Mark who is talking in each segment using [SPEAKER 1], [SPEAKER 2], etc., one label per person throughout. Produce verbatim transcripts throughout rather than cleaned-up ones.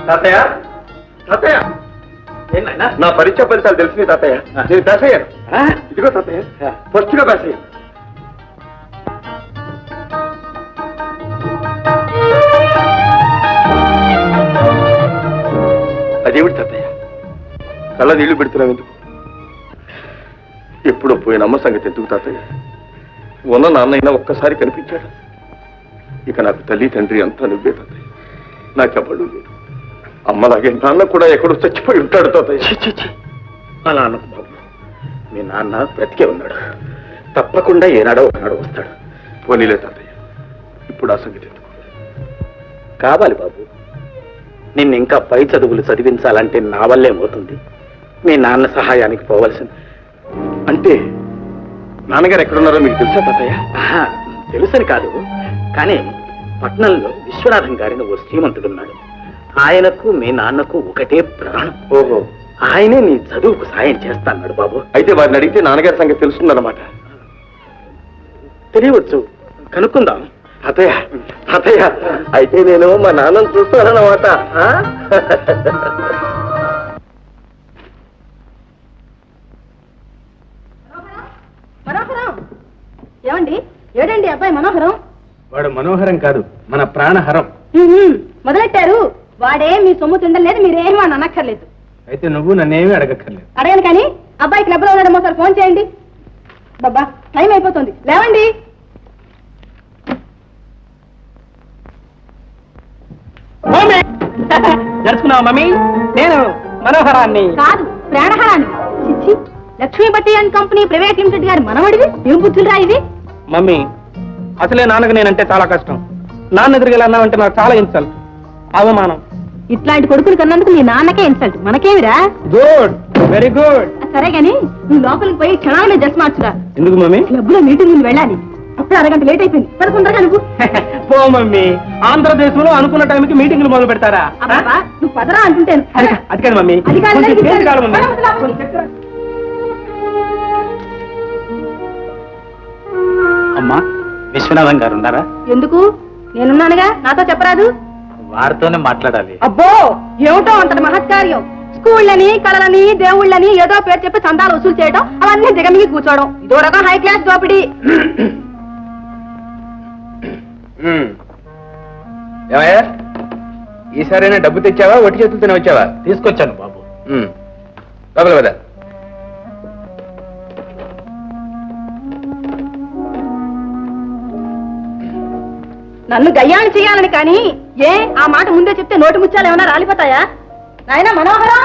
[SPEAKER 1] తాతయ్య తాతయ్య ఏంటన్నా నా పరీక్ష ఫలితాలు తెలిసినాయి తాతయ్య. నేను పాస్ అయ్యాను. ఇదిగో తాతయ్య ఫస్ట్ గా పాస్ అయ్యాను. అదేమిటి తాతయ్య కళ్ళ నీళ్లు పెడుతున్నావు ఎందుకు? ఎప్పుడో పోయిన అమ్మ సంగతి ఎందుకు తాతయ్య? ఉన్న నాన్నైనా ఒక్కసారి కనిపించాడు. ఇక నాకు తల్లి తండ్రి అంతా నువ్వే తాతయ్య. నాకెవ్వడు లేదు. అమ్మలాగే నాన్న కూడా ఎక్కడో చచ్చిపోయి ఉంటాడు తాతయ్య. అలా అన్నకు బాబు, మీ నాన్న బ్రతికే ఉన్నాడు. తప్పకుండా ఏనాడో ఒకనాడు వస్తాడు. పోనీలే తాతయ్య, ఇప్పుడు ఆ సంగతి ఎందుకు? కావాలి బాబు, నిన్ను ఇంకా పై చదువులు చదివించాలంటే నా వల్లే పోతుంది. మీ నాన్న సహాయానికి పోవలసింది. అంటే నాన్నగారు ఎక్కడున్నారో మీకు తెలుసా తాతయ్య? తెలుసని కాదు, కానీ పట్నంలో విశ్వనాథం గారిని ఓ శ్రీమంతుడున్నాడు. ఆయనకు మీ నాన్నకు ఒకటే ప్రాణం. ఓహో, ఆయనే నీ చదువుకు సాయం చేస్తాన్నాడు బాబు. అయితే వారిని అడిగితే నాన్నగారి సంగతి తెలుస్తుందన్నమాట. తెలియవచ్చు, కనుక్కుందాం. తాతయ్య తాతయ్య అయితే నేను మా నాన్నను చూస్తానన్నమాట.
[SPEAKER 2] మనోహరం ఏమండి? ఏడండి అబ్బాయి మనోహరం?
[SPEAKER 1] వాడు మనోహరం కాదు, మన ప్రాణహరం.
[SPEAKER 2] మొదలెట్టారు. వాడే మీ సొమ్ము తిండలేదు, మీరేమీ అని అనక్కర్లేదు.
[SPEAKER 1] అయితే నువ్వు నన్నేమీ అడగక్కర్లేదు.
[SPEAKER 2] అడగను కానీ అబ్బాయి క్లబ్ లో ఉన్నాడేమో సార్ ఫోన్ చేయండి. బాబా టైం అయిపోతుంది, లేవండి.
[SPEAKER 1] జరుచుకున్నావా మమ్మీ? నేను మనోహరాన్ని
[SPEAKER 2] కాదు, ప్రాణహరాన్ని. చిచ్చి, Lakshmipati and company private limited గారి మనవడివి. ఏం బుద్ధులు రా ఇది?
[SPEAKER 1] మమ్మీ, అసలే నాన్నకు నేనంటే చాలా కష్టం. నాన్న ఎదురుగలన్నావంటే నాకు చాలా ఇన్సల్ట్, అవమానం.
[SPEAKER 2] ఇట్లాంటి కొడుకులు కన్నందుకు నీ నాన్నకే ఇన్సల్ట్, మనకేమిరా?
[SPEAKER 1] Good, very good.
[SPEAKER 2] సరే గాని నువ్వు లోపలికి పోయి క్షణాలనే డ్రెస్ మార్చురా.
[SPEAKER 1] ఎందుకు మమ్మీ?
[SPEAKER 2] క్లబ్ లో మీటింగ్ ముందు వెళ్ళాలి. అప్పుడు అరగంట లేట్ అయిపోయింది. పదకొండగా నువ్వు
[SPEAKER 1] పో మమ్మీ. ఆంధ్రదేశంలో అనుకున్న టైంకి మీటింగ్లు మొదలు పెడతారా?
[SPEAKER 2] నువ్వు పదరా అంటుంటాను.
[SPEAKER 1] అది కాదు మమ్మీ. అమ్మా, విశ్వనాథం గారు ఉన్నారా?
[SPEAKER 2] ఎందుకు? నేనున్నానుగా, నాతో చెప్పరాదు?
[SPEAKER 1] వారితోనే మాట్లాడాలి.
[SPEAKER 2] అబ్బో, ఏమిటో అంతటి మహత్కార్యం. స్కూళ్ళని, కళలని, దేవుళ్ళని ఏదో పేరు చెప్పి చందాలు వసూలు చేయడం, అవన్నీ దిగమిగి కూర్చోవడం, ఇదో రకం హై క్లాస్ దోపిడీ.
[SPEAKER 1] ఏమయ్యా, ఈసారైనా డబ్బు తెచ్చావా, ఒట్టి చేతులతోనే వచ్చావా?
[SPEAKER 3] తీసుకొచ్చాను బాబు.
[SPEAKER 1] లోపల కదా.
[SPEAKER 2] నన్ను గయ్యాన్ని చేయాలని కానీ ఏ ఆ మాట ముందే చెప్తే నోటి ముత్యాలు ఏమైనా రాలిపోతాయా? నాయనా మనోహరం,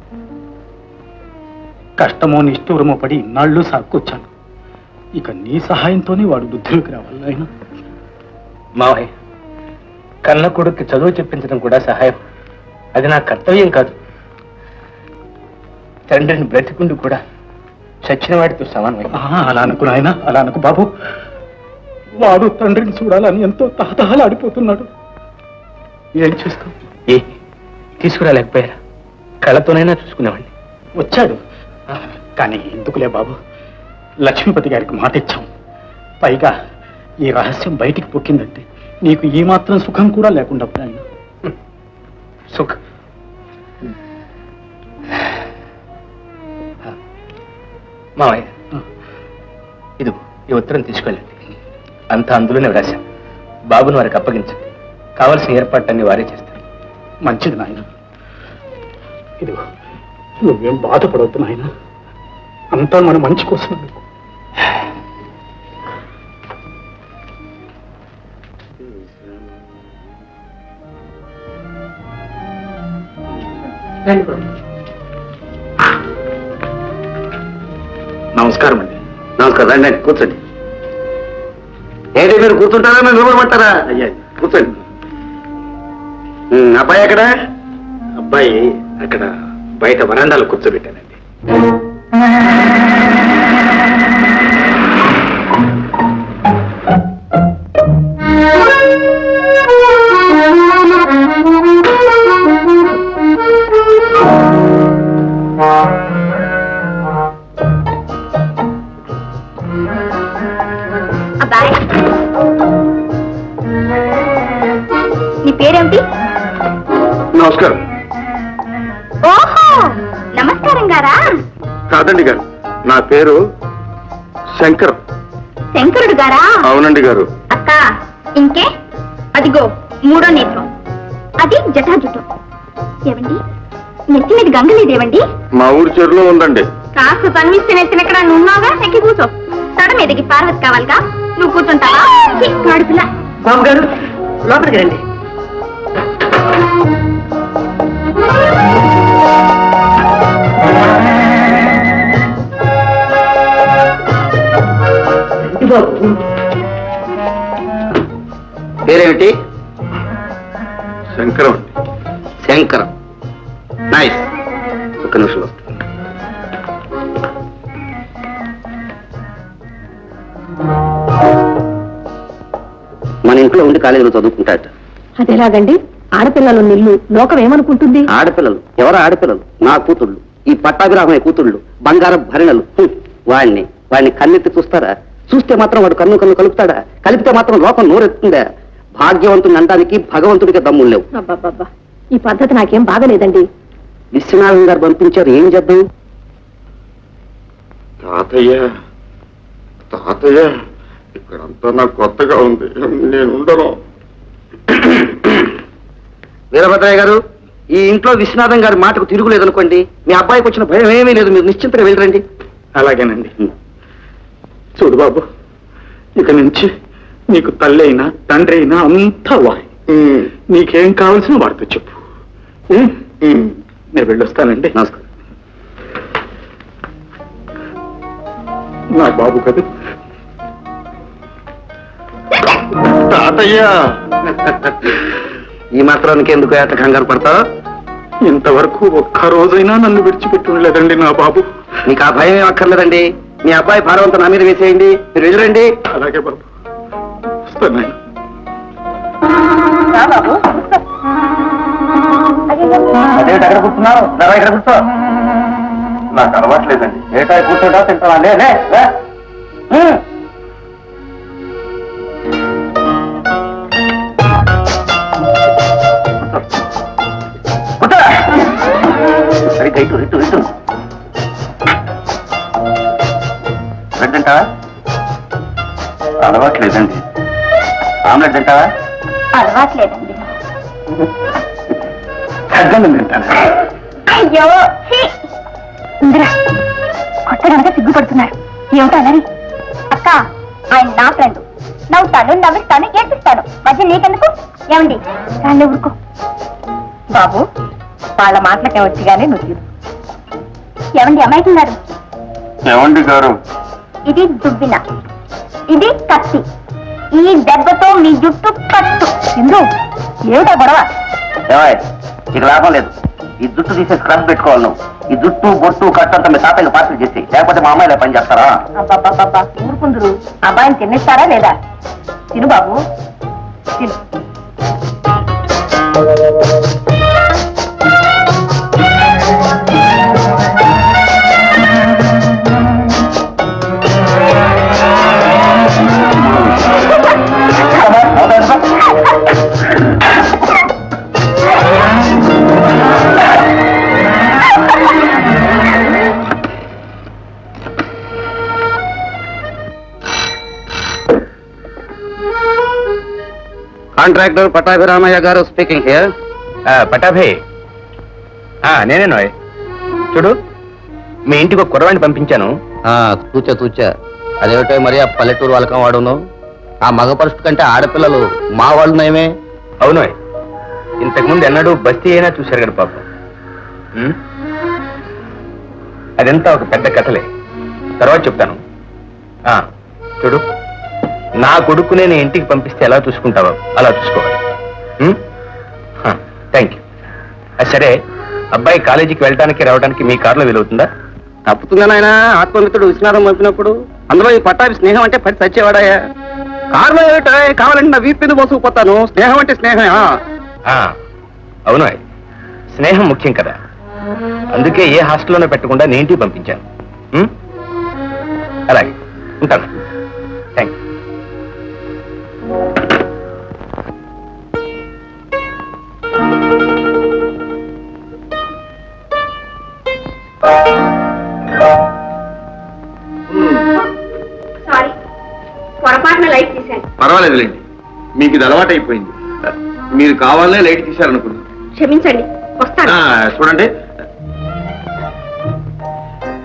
[SPEAKER 3] కష్టమో నిష్ఠూరమో పడి ఇన్నాళ్ళు సాక్కొచ్చాను. ఇక నీ సహాయంతోనే వాడు బుద్ధిలోకి రావాలి. ఆయన
[SPEAKER 1] మావయ్య, కన్న కొడుక్కి చదువు చెప్పించడం కూడా సహాయం. అది నా కర్తవ్యం కాదు. తండ్రిని బ్రతికుండు కూడా చచ్చిన వాడితో సమానమే.
[SPEAKER 3] అలా అనుకు నాయన, అలా అనుకు బాబు. వాడు తండ్రిని చూడాలని ఎంతో తహతహలాడిపోతున్నాడు. ఏం చేస్తాం?
[SPEAKER 1] ఏ తీసుకురాలేకపోయారా? కళ్ళతోనైనా చూసుకునేవాడిని.
[SPEAKER 3] వచ్చాడు కానీ ఎందుకులే బాబు, లక్ష్మీపతి గారికి మాట ఇచ్చాం. పైగా ఈ రహస్యం బయటికి పొక్కిందంటే నీకు ఈ మాత్రం సుఖం కూడా లేకుండా పోయాను.
[SPEAKER 1] సుఖ మావయ్య, ఇది ఈ ఉత్తరం తీసుకెళ్ళండి. అంతా అందులోనే వ్రాశాం. బాబుని వారికి అప్పగించండి. కావలసిన ఏర్పాట్లన్నీ వారే చేస్తారు.
[SPEAKER 3] మంచిది నాయన. ఇదిగో, నువ్వేం బాధపడవద్దు నాయన, అంతా మన మంచి కోసం.
[SPEAKER 1] నమస్కారం అండి. నమస్కారం. రండి అండి, కూర్చోండి. ఏంటి మీరు కూర్చుంటారా, మేము నిలబడమంటారా? అయ్యా కూర్చోండి. అబ్బాయి ఎక్కడ? అబ్బాయి అక్కడ బయట వరండాలో కూర్చోబెట్టానండి.
[SPEAKER 2] నీ పేరేమిటి?
[SPEAKER 1] నమస్కారం.
[SPEAKER 2] విశ్వనాథం గారా?
[SPEAKER 1] కాదండి గారు, నా పేరు శంకర్.
[SPEAKER 2] శంకరుడు గారా?
[SPEAKER 1] అవునండి గారు.
[SPEAKER 2] అక్క ఇంకే అదిగో మూడో నేత్రం, అది జటాజుటం. ఏవండి నెత్తి మీద గంగ లేదేవండి?
[SPEAKER 1] మా ఊరి చెరువులో ఉందండి.
[SPEAKER 2] కాస్త తన్విస్తే నెత్తినెక్కడ నున్నావుగా, ఎక్కి కూర్చో. తడ మీదకి పార్వతి కావాలిగా, నువ్వు కూర్చుంటావా? పిల్ల
[SPEAKER 4] బాబు గారు లోపలికి రండి. పేరేమిటి?
[SPEAKER 1] శంకరం.
[SPEAKER 4] శంకరం. నైస్. ఒక నిమిషం వస్తుంది. మన ఇంట్లో ఉండి కాలేజీలో చదువుకుంటాట.
[SPEAKER 2] అదేలాగండి, ఆడపిల్లలు నిల్లు లోకం ఏమనుకుంటుంది?
[SPEAKER 4] ఆడపిల్లలు ఎవరు? ఆడపిల్లలు నా కూతుళ్ళు, ఈ పట్టాభిరామయ్య కూతుళ్ళు, బంగారం భరిణలు. హ్మ్. వాణ్ణి వాడిని కన్నెత్తి చూస్తారా? చూస్తే మాత్రం వాడు కన్ను కన్ను కలుపుతాడా? కలిపితే మాత్రం లోకం నోరెత్తుందా? భాగ్యవంతుని అనడానికి భగవంతుడికి దమ్ములు లేవు.
[SPEAKER 2] అబ్బబ్బబ్బా, ఈ పద్ధతి నాకేం బాగలేదండి.
[SPEAKER 4] విశ్వనాథం గారు పంపించారు, ఏం చేద్దాం?
[SPEAKER 1] తాతయ్య తాతయ్య ఇక్కడంతా నాకు కొత్తగా ఉంది, నేను ఉండను.
[SPEAKER 4] వీరభద్రయ్య గారు, ఈ ఇంట్లో విశ్వనాథం గారి మాటకు తిరుగులేదనుకోండి, మీ అబ్బాయికి వచ్చిన భయం ఏమీ లేదు, మీరు నిశ్చింతగా వెళ్ళరండి.
[SPEAKER 3] అలాగేనండి. చూడు బాబు, ఇక నుంచి నీకు తల్లి అయినా తండ్రి అయినా అంతా వాయి. నీకేం కావాల్సిన వాడితో చెప్పు. నేను వెళ్ళొస్తానండి.
[SPEAKER 4] నమస్కారం.
[SPEAKER 3] నా బాబు కదా.
[SPEAKER 1] తాతయ్య
[SPEAKER 4] ఈ మాత్రానికి ఎందుకు ఏట కంగారు పడతావు?
[SPEAKER 3] ఇంతవరకు ఒక్క రోజైనా నన్ను విడిచిపెట్టి ఉండలేదండి నా బాబు.
[SPEAKER 4] మీకు ఆ భయం ఏం అక్కర్లేదండి. మీ అబ్బాయి భారవంతం నా మీద వేసేయండి, మీరు వెళ్ళరండి.
[SPEAKER 3] అలాగే బాబు, వస్తాను.
[SPEAKER 4] అదేంటి అక్కడ కూర్చున్నావు? నరా ఇక్కడ కూర్చో.
[SPEAKER 1] నాకు అలవాట్లేదండి.
[SPEAKER 4] ఏటా కూర్చోటా తింటావా? లే లే, లే. హ్మ్. కూర్చో. సరిగ్గా ఇటు ఇటు ఇటు. బ్రెడ్ తింటావా?
[SPEAKER 1] అలవాట్లేదండి.
[SPEAKER 4] ఆమ్లెట్ తింటావా?
[SPEAKER 2] అలవాట్లేదండి.
[SPEAKER 3] తగ్గను తింటాను.
[SPEAKER 2] అయ్యో ఇందిరా, కొత్త కనుక సిగ్గుపడుతున్నారు. ఏమిటో అన్నది? అక్క, ఆయన నా ఫ్రెండ్. నవ్వుతాను, నవ్విస్తాను, ఏడ్పిస్తాను. మధ్య నీకెందుకు? ఏమండి రాళ్ళు ఊరుకో. బాబు, వాళ్ళ మాటలకే వచ్చి కానీ నువ్వు ఏమండి అమ్మాయికున్నారు?
[SPEAKER 1] ఏమండి గారు?
[SPEAKER 4] ఇది దుబ్బిన, ఇది కత్తి. ఈ దెబ్బతో మీ జుట్టు కట్టు. ఇందు ఏమిటా గొడవ? ఇక లాభం లేదు. ఈ జుట్టు తీసే స్క్రబ్ పెట్టుకోవాలి నువ్వు. ఈ జుట్టు బొట్టు కట్టంతా మీ తాతయ్య పార్సల్ చేసి, లేకపోతే మా అమ్మాయిలా పని చేస్తారా? ఊరుకుందరు. అబ్బాయిని తినేస్తారా లేదా? తిను బాబు, తిను. కాంట్రాక్టర్ పట్టాభిరామయ్య గారు స్పీకింగ్ హియర్.
[SPEAKER 5] పటాభే, నేనే నోయ్. చూడు, మీ ఇంటికి ఒక కుర్రవాణ్ణి పంపించాను.
[SPEAKER 4] తూచా తూచా. అదేమిటో మరి ఆ పల్లెటూరు వాళ్ళకం వాడును. ఆ మగ పరుషు కంటే ఆడపిల్లలు మా వాళ్ళు నయమే.
[SPEAKER 5] అవునోయ్, ఇంతకుముందు ఎన్నడూ బస్తీ అయినా చూశారు కదా పాపం. ఉం? అదంతా ఒక పెద్ద కథలే, తర్వాత చెప్తాను. ఆ, చూడు, నా కొడుకు నేను ఇంటికి పంపిస్తే ఎలా చూసుకుంటావో అలా చూసుకోవాలి. Thank you. సరే, అబ్బాయి కాలేజీకి వెళ్ళడానికి రావడానికి మీ కారులో వీలవుతుందా?
[SPEAKER 4] తప్పుతుందా నాయన? ఆత్మమిత్రుడు విశ్వనాథం పంపినప్పుడు అందులో ఈ పట్టాభి స్నేహం అంటే పడి చచ్చేవాడాయా? కారులో ఏమిటా? కావాలంటే నా వీపు మీద మోసుకుపోతాను. స్నేహం అంటే స్నేహమే.
[SPEAKER 5] అవును, స్నేహం ముఖ్యం కదా. అందుకే ఏ హాస్టల్లోనే పెట్టకుండా నేను ఇంటికి పంపించాను. ఉం? అలాగే ఉంటాను. Thank you.
[SPEAKER 4] Thank you.
[SPEAKER 2] తీశాను.
[SPEAKER 1] పర్వాలేదులేండి, మీకు ఇది అలవాటైపోయింది. మీరు కావాలనే లైట్ తీశారనుకున్నాను.
[SPEAKER 2] క్షమించండి, వస్తాను.
[SPEAKER 1] చూడండి,